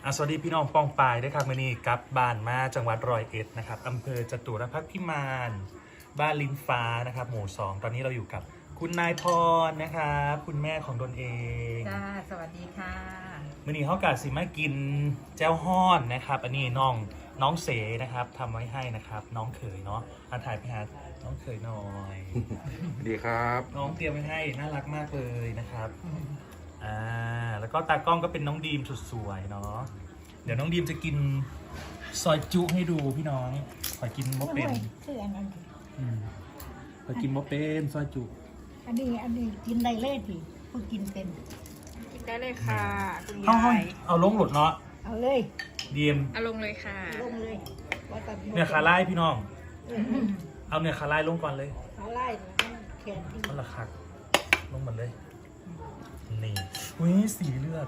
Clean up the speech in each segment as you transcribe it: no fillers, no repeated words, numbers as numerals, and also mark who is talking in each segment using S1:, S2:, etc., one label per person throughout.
S1: สวัสดีพี่น้องป้องปายด้วยครับมื่อนี้กลับบ้านมาจังหวัดร้อยเอ็ดนะครับอำเภอจตุรพักษ์พิมานบ้านลิ้นฟ้านะครับหมู่2ตอนนี้เราอยู่กับคุณนายพรนะครับคุณแม่ของตนเอง
S2: จ้าสวัสดีค่ะ
S1: มื่อนี้เขากาสิมากินแจ้วฮ้อนนะครับอันนี้น้องเสนะครับทำไว้ให้นะครับน้องเขยเนาะถ่ายไปหาน้องเขยหน่อย
S3: ดีครับ
S1: น้องเตรียมไว้ให้น่ารักมากเลยนะครับแล้วก็ตากล้องก็เป็นน้องดีมสุดสวยเนาะเดี๋ยวน้องดีมจะกินซอยจุให้ดูพี่น้องขอกินมะเป็น
S4: คืออันนั้น
S1: ขอกินมะเป็นซอยจุ
S4: อันนี้กินได้เลยทีผู้กินเป็น
S2: กินได้เลยค่ะคุณ
S1: เอา
S2: ยาย
S1: เอาลงหลุดเนาะ
S4: เอาเลย
S1: ดีม
S2: เอาลงเลยค่ะ
S4: ลงเลยว่าแต่
S1: เนื้อคาไล่พี่น้อง
S4: เออ
S1: เอาเนื้อคาไล่ลงก่อนเลย
S4: ขาไล่แล้วแขนที่
S1: มันละคักลงหมดเลยนี่อุ้ยสีเลือด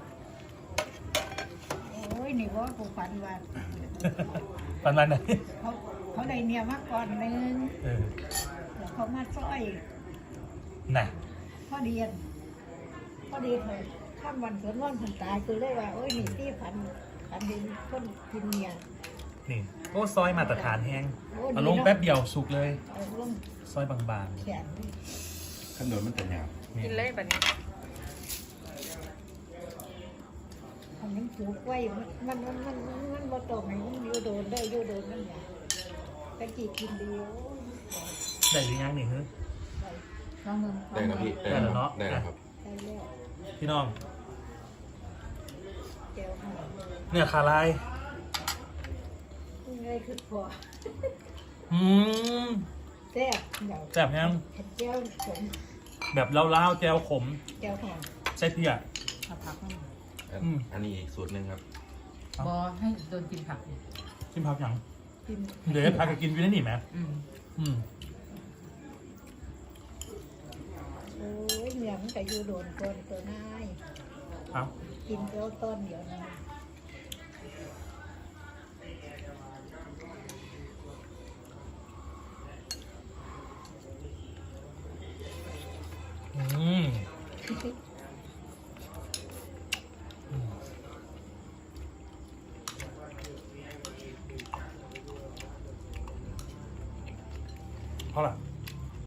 S4: โอ้ยนี่ว่าผู้ฝันว่า
S1: ประมาณไหน
S4: เขาได้เนี่ยมาก่อนนึง แล้วเขามาซ้อย
S1: น่ะ
S4: พอดีเลยข้ามวันสวนวันคนตายคือเลยว่าโอ้ยนี่ที่ฝันเห็นคนกินเนี่ย
S1: นี่โอ้ซอยมาตรฐานแห้ง
S4: โอ้
S1: เอา
S4: ดี
S1: ลง
S4: เนาะ
S1: แป๊บเดียวสุกเลย
S4: เอาลง
S1: ซอยบาง
S4: แขนนี่
S3: ขนมมันแต่หยาบ
S1: ๆ
S2: กินเลยแบบนี้
S4: อันนี้ปลูกไว้มันบ่ตรงไหนมันอยู่โดนได้อยู่โดนนั่นแหละตะกี้กินดีโอ้ย
S1: ได้หรือยังนี่เฮ้ย
S4: ลองมึง
S3: ได้ครับพี่
S1: ได้แล้วเนาะ
S3: ได้แล้วครับ
S4: ได้แล้ว
S1: พี่น้อง
S4: เจ้าค่ะ
S1: เนื้อคาไลาย
S4: ง่ายคือพอ
S1: อืม
S4: แซ่บเดี๋ยว
S1: แบบยัง
S4: เผ็ดเจ้าผม
S1: แบบเล่าๆแจวขม
S4: เจ้าค่ะ
S1: ใช่เพี่อะ
S2: เอาผักให้
S3: อันนี้อีกสูตรหนึ่งครับ
S2: บอให้โดนกินผัก
S1: ชิมพักยัง
S4: กิน
S1: เดี๋ยวพากันกินวินาทีไหม
S2: อืม
S1: อืม
S4: โอ้ยเหนียวมันก็อยู่โดนก่อนตัวนาย
S1: เอา
S4: กินเจ้าต้นเดียวนะ
S1: อืมเพราะอะไร